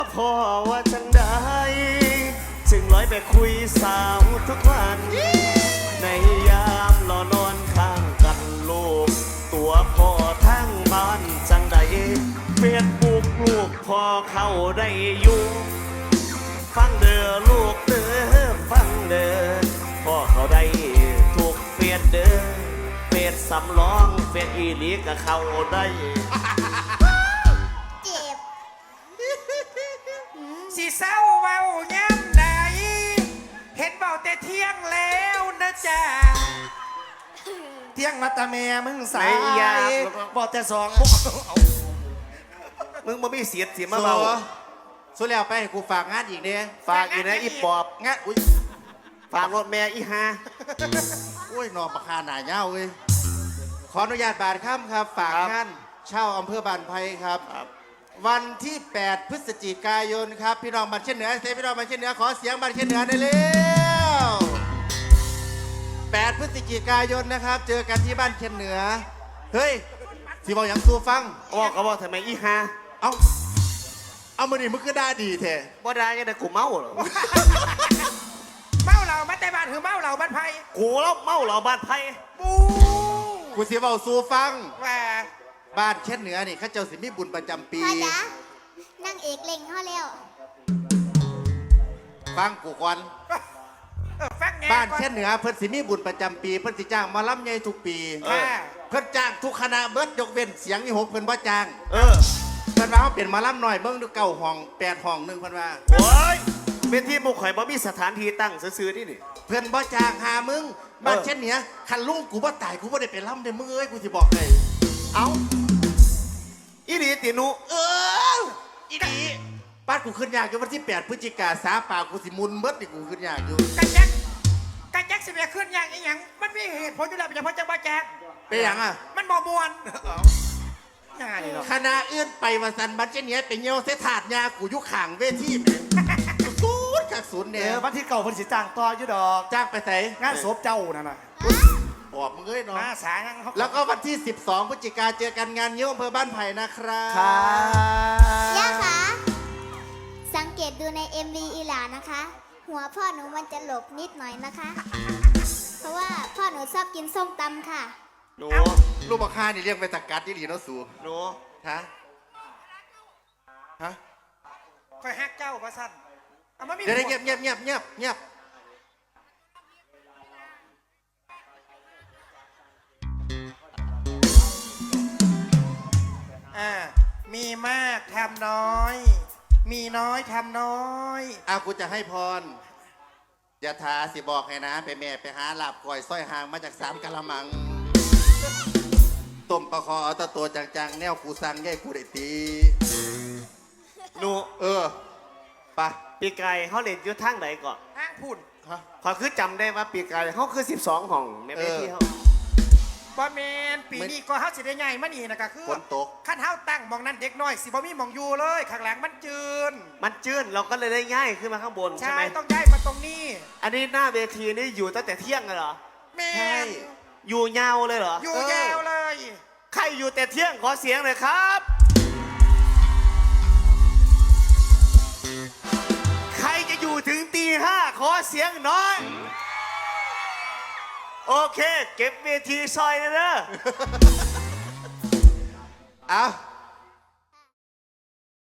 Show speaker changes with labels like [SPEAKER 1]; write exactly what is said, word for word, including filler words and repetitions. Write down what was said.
[SPEAKER 1] พ่อว่าจังได้จึงลอยไปคุยสาวทุกวันในยามรอนอนข้างกันลูกตัวพ่อทั้งบ้านจังใดเฟียดบุกลูกพ่อเข้าได้อยู่ฟังเด้อลูกเด้อฟังเด้อพ่อเขาได้ถูกเฟียดเด้อเฟียดสำรองเฟียดอีหลีก็เข้าได้
[SPEAKER 2] เจ็บ
[SPEAKER 3] สิเศร้าเว้าย้ำใดเห็นเบาแต่เที่ยงแล้วนะจ๊ะเที่ยงมาตาแม่มึงสายบอกแต่สอง
[SPEAKER 1] มึงมาไม่เสียดเสียมาเบา
[SPEAKER 4] สุดแล้วไปให้กูฝากงานอีกเนี่ย
[SPEAKER 1] ฝากอีกนะอีปอบ
[SPEAKER 4] งานอุ้ย
[SPEAKER 1] ฝากรถแม่อีฮา
[SPEAKER 4] อุ้ยนอนประคาหนาเย้าเว้ยขออนุญาตบาทค่ำครับฝากงานเช่าอำเภอบานไผ่ครับวันที่แปดพฤศจิกายนครับพี่น้องบันเช่นเหนือเซพี่น้องบันเช่นเหนือขอเสียงบันเช่นเหนือได้เร็วแปดพฤศจิกายนนะครับเจอกันที่บ้านเช่นเหนือเฮ้ยสิบอกอย่างซูฟัง
[SPEAKER 1] บอกก็บอกทำไมอีฮา
[SPEAKER 4] เอาเอามือนี่มึงก็ได้ดีแท้
[SPEAKER 1] บ่ได้ยังแต่กูเมาเหรอ
[SPEAKER 3] เมาเหล่าบ้านแต่บ้านคือเมาเหล่าบ้านไผ่
[SPEAKER 1] กูแล้วเมาเหล่าบ้านไผ่
[SPEAKER 3] บู
[SPEAKER 4] กูสิบอกซูฟัง
[SPEAKER 3] ว่า
[SPEAKER 4] บ้านเช่นเหนือนี่ข้าเจ้าสิมีบุญประจำปี
[SPEAKER 2] พ่อจ๋านั่งเอกเล่งเขาแล้ว
[SPEAKER 4] ฟังกูก่อนบ้านเช่นเหนือเพิ่นสิมีบุญประจำปีเพิ่นสิจ้างมาล้ำใหญ่ทุกปีเพิ่นจ้างทุกคณะเบิดยกเว้นเสียงนี่หกเพิ่นบ่จ้าง
[SPEAKER 1] เออ
[SPEAKER 4] เพิ่นว่าเขาเปลี่ยนมาล้ำหน่อยเบิ่งดูเก้าห้องแปดห้องหนึ่งเพิ่นว่า
[SPEAKER 1] โอ้ยเป็นที่บุกข่อยบ่มีสถานที่ตั้งซื้อๆนี่นี่
[SPEAKER 4] เพิ่นบ่จ้างหามึงบ้านเช่นเหนือคันลุงกูบ่ตายกูบ่ได้ไปล้ำเด้มึงเอ้ยกูสิบอกเลย
[SPEAKER 1] เอาอีหลีตินุ
[SPEAKER 4] เอออีหลีบ้านกูขึ้นยากอยู่วันที่แปดพฤศจิกาสาป่ากูสิมุนเบิดนี่กูขึ้นยากอยู่
[SPEAKER 3] กันแจ็คกันแจ็คสิเบียขึ้นอย่างอีหยังมันมีเหตุผลอยู่แล้วเป็นเฉพาะจังหวัดแจ็ค
[SPEAKER 4] เป็นอย่างอ่ะ
[SPEAKER 3] มันบ่มวน
[SPEAKER 4] คณะอื่นไปวันสันบันเจเนียเป็นเงี้ยวเสถาดยากูยุข่างเวทีแม่ศูนย์กักศูนย์เนี่ย
[SPEAKER 1] วันที่เก่าเพิ่นสิจ้างต่ออยู่ดอก
[SPEAKER 4] จ้างไปใส่
[SPEAKER 1] งานศพเจ้านั่นน่ะ
[SPEAKER 4] บอกมึงเอ้ยเนาะ
[SPEAKER 3] สางัง
[SPEAKER 4] แล้วก็วันที่สิบสองพฤศจิกาเจอกันงานเยี่ยมอำเภอบ้านไผ่นะครับ
[SPEAKER 2] ย่าคะสังเกตดูใน เอ็ม วี อีหลานะคะ หัวพ่อหนูมันจะหลบนิดหน่อยนะคะเพราะว่าพ่อหนูชอบกินส้มตำค่ะ
[SPEAKER 1] หนู
[SPEAKER 4] ลูกบักฮานี่เรียกไปตะกัดที่หลีเนาะสู
[SPEAKER 1] หนู
[SPEAKER 4] ฮะฮะ
[SPEAKER 3] คอยฮักเจ้าประสัน
[SPEAKER 4] เดี๋ยวเงียบเงียบเงียบเงียบเงียบ
[SPEAKER 3] อ่ามีมากทำน้อยมีน้อยทำน้อย
[SPEAKER 4] อากูจะให้พรอย่าทาสิบอกให้นะไปแม่ไปหาหลับก่อยสร้อยหางมาจากสามกะละมังต้มปลาคอเอาตะตัวจังๆแนวกูสั่งแย่กูได้ตี
[SPEAKER 1] หนู
[SPEAKER 4] เออปะ
[SPEAKER 1] ปีไก่เขาเล่นอยู่ทางไหนก่อน
[SPEAKER 3] ทางพุ่น
[SPEAKER 1] พอคือจำได้ว่าปีไก่เขาคือสิบสองห้องแม่ที่เขา
[SPEAKER 3] บ่แมนปีนี้ก็เฮาสิได้ใหญ่มานี่นะก็คือ
[SPEAKER 4] ฝนตก
[SPEAKER 3] ขั้นเฮาตั้งมองนั้นเด็กน้อยสิบ่มีมองอยู่เลยข้างหลังมันจืน
[SPEAKER 1] มันจืนเราก็เลยได้ง่ายขึ้นมาข้างบนใช่ไหม
[SPEAKER 3] ต้องย้ายมาตรงนี้
[SPEAKER 1] อันนี้หน้าเวทีนี่อยู่ตั้งแต่เที่ยงเลยเหรอ
[SPEAKER 3] แม่
[SPEAKER 1] อยู่ยาวเลยเหรอ
[SPEAKER 3] อยู่ยาวเลย
[SPEAKER 1] ใครอยู่แต่เที่ยงขอเสียงหน่อยครับใครจะอยู่ถึงตีห้าขอเสียงหน่อยโอเคเก็บเวทีซอยนะเด้อ
[SPEAKER 4] เอา